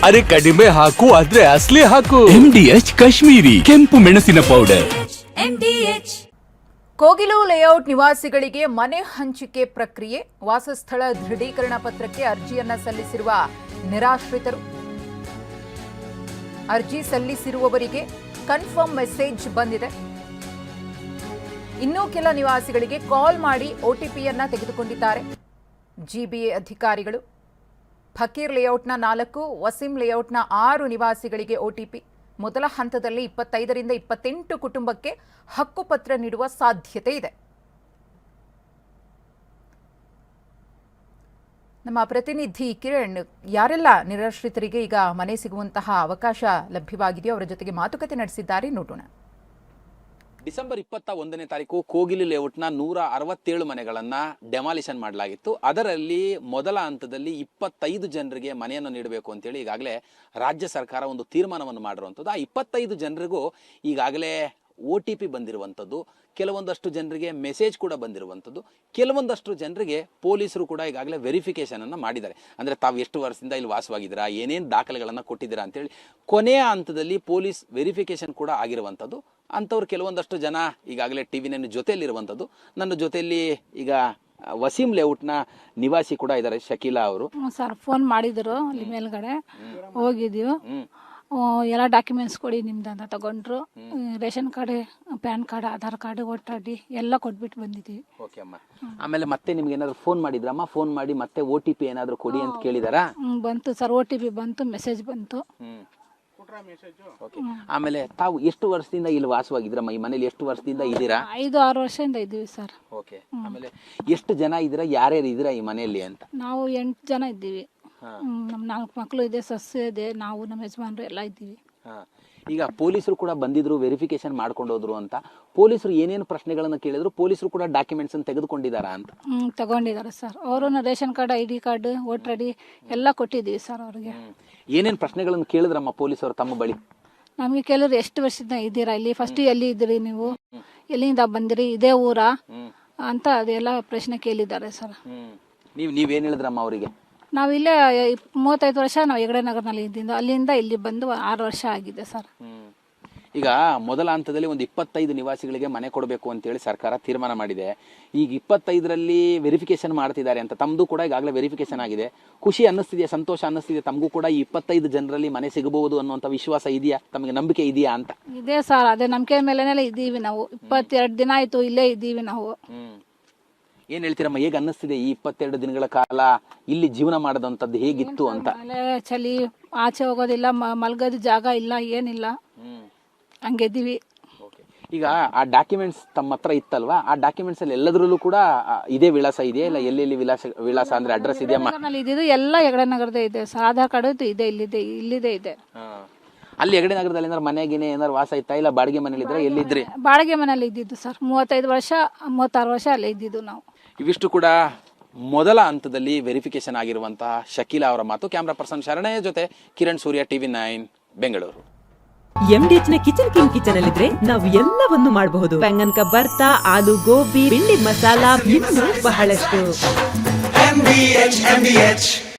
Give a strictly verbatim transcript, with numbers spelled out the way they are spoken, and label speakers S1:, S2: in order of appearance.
S1: ಅರೆ ಕಡಿಮೆ ಹಾಕು ಆದ್ರೆ ಅಸಲಿ ಹಾಕು.
S2: ಎಂಡಿಎಚ್ ಕಾಶ್ಮೀರಿ ಕೆಂಪು ಮೆಣಸಿನ ಪೌಡರ್.
S3: ಕೋಗಿಲು ಲೇಔಟ್ ನಿವಾಸಿಗಳಿಗೆ ಮನೆ ಹಂಚಿಕೆ ಪ್ರಕ್ರಿಯೆ, ವಾಸಸ್ಥಳ ದೃಢೀಕರಣ ಪತ್ರಕ್ಕೆ ಅರ್ಜಿಯನ್ನ ಸಲ್ಲಿಸಿರುವ ನಿರಾಶ್ರಿತರು. ಅರ್ಜಿ ಸಲ್ಲಿಸಿರುವವರಿಗೆ ಕನ್ಫರ್ಮ್ ಮೆಸೇಜ್ ಬಂದಿದೆ. ಇನ್ನೂ ಕೆಲ ನಿವಾಸಿಗಳಿಗೆ ಕಾಲ್ ಮಾಡಿ ಒಟಿಪಿಯನ್ನ ತೆಗೆದುಕೊಂಡಿದ್ದಾರೆ ಜಿಬಿಎ ಅಧಿಕಾರಿಗಳು. ಫಕೀರ್ ಲೇಔಟ್ನ ನಾಲ್ಕು, ವಸೀಂ ಲೇಔಟ್ನ ಆರು ನಿವಾಸಿಗಳಿಗೆ ಒಟಿಪಿ. ಮೊದಲ ಹಂತದಲ್ಲಿ ಇಪ್ಪತ್ತೈದರಿಂದ ಇಪ್ಪತ್ತೆಂಟು ಕುಟುಂಬಕ್ಕೆ ಹಕ್ಕುಪತ್ರ ನೀಡುವ ಸಾಧ್ಯತೆ ಇದೆ. ನಮ್ಮ ಪ್ರತಿನಿಧಿ ಕಿರಣ್, ಯಾರೆಲ್ಲ ನಿರಾಶ್ರಿತರಿಗೆ ಈಗ ಮನೆ ಸಿಗುವಂತಹ ಅವಕಾಶ ಲಭ್ಯವಾಗಿದೆಯೋ ಅವರ ಜೊತೆಗೆ ಮಾತುಕತೆ ನಡೆಸಿದ್ದಾರೆ, ನೋಡೋಣ.
S4: ಡಿಸೆಂಬರ್ ಇಪ್ಪತ್ತ ಒಂದನೇ ತಾರೀಕು ಕೋಗಿಲು ಲೇಔಟ್ನ ನೂರ ಅರವತ್ತೇಳು ಮನೆಗಳನ್ನ ಡೆಮಾಲಿಷನ್ ಮಾಡಲಾಗಿತ್ತು. ಅದರಲ್ಲಿ ಮೊದಲ ಹಂತದಲ್ಲಿ ಇಪ್ಪತ್ತೈದು ಜನರಿಗೆ ಮನೆಯನ್ನು ನೀಡಬೇಕು ಅಂತೇಳಿ ಈಗಾಗಲೇ ರಾಜ್ಯ ಸರ್ಕಾರ ಒಂದು ತೀರ್ಮಾನವನ್ನು ಮಾಡಿರುವಂಥದ್ದು. ಆ ಇಪ್ಪತ್ತೈದು ಜನರಿಗೂ ಈಗಾಗಲೇ ಒ ಟಿ ಪಿ ಬಂದಿರುವಂಥದ್ದು, ಕೆಲವೊಂದಷ್ಟು ಜನರಿಗೆ ಮೆಸೇಜ್ ಕೂಡ ಬಂದಿರುವಂಥದ್ದು, ಕೆಲವೊಂದಷ್ಟು ಜನರಿಗೆ ಪೊಲೀಸರು ಕೂಡ ಈಗಾಗಲೇ ವೆರಿಫಿಕೇಶನ್ ಅನ್ನು ಮಾಡಿದ್ದಾರೆ. ಅಂದರೆ ತಾವು ಎಷ್ಟು ವರ್ಷದಿಂದ ಇಲ್ಲಿ ವಾಸವಾಗಿದ್ದೀರಾ, ಏನೇನು ದಾಖಲೆಗಳನ್ನು ಕೊಟ್ಟಿದ್ದೀರಾ ಅಂತೇಳಿ ಕೊನೆಯ ಹಂತದಲ್ಲಿ ಪೊಲೀಸ್ ವೆರಿಫಿಕೇಶನ್ ಕೂಡ ಆಗಿರುವಂಥದ್ದು. ಅಂಥವ್ರು ಕೆಲವೊಂದಷ್ಟು ಜನ ಈಗಾಗಲೇ ಟಿ ವಿ ನನ್ನ ಜೊತೆಯಲ್ಲಿರುವಂಥದ್ದು. ನನ್ನ ಜೊತೆಯಲ್ಲಿ ಈಗ ವಸೀಂ ಲೇಔಟ್ನ ನಿವಾಸಿ ಕೂಡ ಇದ್ದಾರೆ, ಶಕೀಲಾ ಅವರು.
S5: ಸರ್ ಫೋನ್ ಮಾಡಿದ್ರು, ಅಲ್ಲಿ ಮೇಲ್ಗಡೆ ಹೋಗಿದ್ದೀವಿ, ಎಲ್ಲ ಡಾಕ್ಯುಮೆಂಟ್ಸ್ ಕೊಡಿ ನಿಮ್ದು ಅಂತ ತಗೊಂಡ್ರು. Ration card, pan card, Aadhaar card, voter I D ಎಲ್ಲ ಕೊಟ್ಬಿಟ್ಟು ಬಂದಿದ್ದೀವಿ.
S4: ಓಕೆ ಅಮ್ಮ. ಆಮೇಲೆ ಮತ್ತೆ ನಿಮ್ಗೆ ಏನಾದ್ರು ಫೋನ್ ಮಾಡಿದ್ರಮ್ಮ? ಫೋನ್ ಮಾಡಿ ಮತ್ತೆ ಒ ಟಿ ಪಿ ಏನಾದ್ರು ಕೊಡಿ ಅಂತ ಕೇಳಿದಾರಾ?
S5: ಬಂತು ಸರ್, ಒ ಟಿ ಪಿ ಬಂತು, ಮೆಸೇಜ್ ಬಂತು.
S4: ಆಮೇಲೆ ತಾವು ಎಷ್ಟು ವರ್ಷದಿಂದ ಇಲ್ಲಿ ವಾಸವಾಗಿದ್ರಮ್ಮ? ಈ ಮನೇಲಿ ಎಷ್ಟು ವರ್ಷದಿಂದ ಇದ್ದೀರಾ?
S5: ಐದು ಆರು ವರ್ಷದಿಂದ ಇದ್ದೀವಿ ಸರ್.
S4: ಓಕೆ. ಆಮೇಲೆ ಎಷ್ಟು ಜನ ಇದ್ದೀರಾ, ಯಾರ್ಯಾರು ಇದ್ದೀರಾ ಈ ಮನೆಯಲ್ಲಿ ಅಂತ?
S5: ನಾವು ಎಂಟು ಜನ ಇದ್ದೀವಿ. ನಮ್ಮ ನಾಲ್ಕು ಮಕ್ಕಳು ಇದೆ, ಸಸ್ಯ ಇದೆ, ನಾವು ನಮ್ಮ ಯಜಮಾನ್ರು ಎಲ್ಲ ಇದ್ದೀವಿ.
S4: ಈಗ ಪೊಲೀಸರು ಕೂಡ ಬಂದಿದ್ರು, ವೆರಿಫಿಕೇಶನ್ ಮಾಡ್ಕೊಂಡು ಹೋದ್ರು ಅಂತ. ಪೊಲೀಸರು ಏನೇನು ಪ್ರಶ್ನೆಗಳನ್ನ ಕೇಳಿದ್ರು? ಪೊಲೀಸರು ಕೂಡ ಡಾಕ್ಯುಮೆಂಟ್ಸ್ ಅನ್ನು ತೆಗೆದುಕೊಂಡಿದ್ದಾರಾ ಅಂತ?
S5: ಹ್ಮ್ ತಗೊಂಡಿದ್ದಾರೆ ಸರ್. ಅವರು ration card, I D card, voter I D ಎಲ್ಲ ಕೊಟ್ಟಿದ್ದೀವಿ ಸರ್ ಅವ್ರಿಗೆ.
S4: ಏನೇನು ಪ್ರಶ್ನೆಗಳನ್ನು ಕೇಳಿದ್ರಮ್ಮ ಪೊಲೀಸರು ತಮ್ಮ ಬಳಿ?
S5: ನಮಗೆ ಕೆಲವರು ಎಷ್ಟು ವರ್ಷದಿಂದ ಇದ್ದೀರಾ ಇಲ್ಲಿ, ಫಸ್ಟ್ ಎಲ್ಲಿ ಇದ್ರಿ ನೀವು, ಎಲ್ಲಿಂದ ಬಂದಿರಿ, ಇದೇ ಊರಾ ಅಂತ ಅದೆಲ್ಲ ಪ್ರಶ್ನೆ ಕೇಳಿದ್ದಾರೆ ಸರ್.
S4: ನೀವು ನೀವೇನು ಹೇಳಿದ್ರಮ್ಮ ಅವರಿಗೆ?
S5: ನಾವು ಇಲ್ಲೇ ಮೂವತ್ತೈದು ವರ್ಷ ನಾವು ಹೆಗಡೆ ನಗರ್ನಲ್ಲಿ ಇದ್ದಿದ್ದು, ಅಲ್ಲಿಂದ ಇಲ್ಲಿ ಬಂದು ಆರು ವರ್ಷ ಆಗಿದೆ ಸರ್.
S4: ಈಗ ಮೊದಲ ಹಂತದಲ್ಲಿ ಒಂದು ಇಪ್ಪತ್ತೈದು ನಿವಾಸಿಗಳಿಗೆ ಮನೆ ಕೊಡಬೇಕು ಅಂತೇಳಿ ಸರ್ಕಾರ ತೀರ್ಮಾನ ಮಾಡಿದೆ. ಈಗ ಇಪ್ಪತ್ತೈದರಲ್ಲಿ ವೆರಿಫಿಕೇಶನ್ ಮಾಡ್ತಿದ್ದಾರೆ ಅಂತ, ತಮ್ಮದು ಕೂಡ ಈಗಾಗಲೇ ವೆರಿಫಿಕೇಶನ್ ಆಗಿದೆ. ಖುಷಿ ಅನ್ನಿಸ್ತಿದೆಯಾ, ಸಂತೋಷ ಅನ್ನಿಸ್ತಿದೆ ತಮಗೂ ಕೂಡ ಈ ಇಪ್ಪತ್ತೈದು ಜನರಲ್ಲಿ ಮನೆ ಸಿಗಬಹುದು ಅನ್ನುವಂಥ ವಿಶ್ವಾಸ ಇದೆಯಾ, ತಮಗೆ ನಂಬಿಕೆ ಇದೆಯಾ ಅಂತ?
S5: ಇದೆ ಸರ್, ಅದೇ ನಂಬಿಕೆ ಮೇಲೆನೆಲ್ಲ ಇದ್ದೀವಿ ನಾವು. ಇಪ್ಪತ್ತೆರಡು ದಿನ ಆಯ್ತು ಇಲ್ಲೇ ಇದ್ದೀವಿ ನಾವು.
S4: ಏನ್ ಹೇಳ್ತೀರಮ್ಮ, ಹೇಗೆ ಅನ್ನಿಸ್ತಿದೆ ಈ ಇಪ್ಪತ್ತೆರಡು ದಿನಗಳ ಕಾಲ ಇಲ್ಲಿ ಜೀವನ ಮಾಡೋದಂಥದ್ದು ಹೇಗಿತ್ತು ಅಂತ?
S5: ಚಳಿ, ಆಚೆ ಹೋಗೋದಿಲ್ಲ, ಮಲ್ಗೋದು ಜಾಗ ಇಲ್ಲ, ಏನಿಲ್ಲ, ಹಂಗೆದ್ದೀವಿ.
S4: ಈಗ ಆ ಡಾಕ್ಯುಮೆಂಟ್ಸ್ ತಮ್ಮ ಹತ್ರ ಇತ್ತಲ್ವಾ, ಆ ಡಾಕ್ಯುಮೆಂಟ್ಸ್ ಅಲ್ಲಿ ಎಲ್ಲದರಲ್ಲೂ ಕೂಡ ಇದೇ ವಿಳಾಸ ಇದೆಯಾ, ಇಲ್ಲ ಎಲ್ಲೆಲ್ಲಿ ವಿಳಾಸ ವಿಳಾಸ ಅಂದ್ರೆ ಅಡ್ರೆಸ್ ಇದೆಯಮ್ಮ?
S5: ಇದ್ದಿದ್ದು ಎಲ್ಲ ಹೆಗಡೆ ನಗರದೇ ಇದೆ ಸರ್. ಆಧಾರ್ ಕಾರ್ಡ್ ಇದೆ, ಇಲ್ಲಿದೆ ಇಲ್ಲಿದೆ ಇದೆ.
S4: ಅಲ್ಲಿ ಹೆಗಡೆ ನಗರದಲ್ಲಿ ಏನಾರು ಮನೆಗಿನೇ ಏನಾರು ವಾಸ ಇತ್ತಾ, ಇಲ್ಲ ಬಾಡಿಗೆ ಮನೇಲಿ ಇದ್ರೆ ಎಲ್ಲಿದ್ರಿ?
S5: ಬಾಡಿಗೆ ಮನೇಲಿ ಇದ್ದಿದ್ದು ಸರ್. ಮೂವತ್ತೈದು ವರ್ಷ ಮೂವತ್ತಾರು ವರ್ಷ ಅಲ್ಲೇ ಇದ್ದಿದ್ದು ನಾವು.
S4: ಇವಿಷ್ಟು ಕೂಡ ಮೊದಲ ಹಂತದಲ್ಲಿ ವೆರಿಫಿಕೇಶನ್ ಆಗಿರುವಂತಹ ಶಕೀಲಾ ಅವರ ಮಾತು. ಕ್ಯಾಮ್ರಾ ಪರ್ಸನ್ ಶರಣಯ್ಯ ಜೊತೆ Kiran Surya, TV nine, Bengaluru.
S6: MDH ನ ಕಿಚನ್ ಕಿಂಗ್ ಕಿಚನ್ ಅಲ್ಲಿದ್ರೆ ನಾವು ಎಲ್ಲವನ್ನು ಮಾಡಬಹುದು. ಬೆಂಗನ್ ಕ ಬರ್ತಾ, ಆಲೂ ಗೋಬಿ, ಬೆಂಡಿ ಮಸಾಲಾ, ಇನ್ನೂ ಬಹಳಷ್ಟು.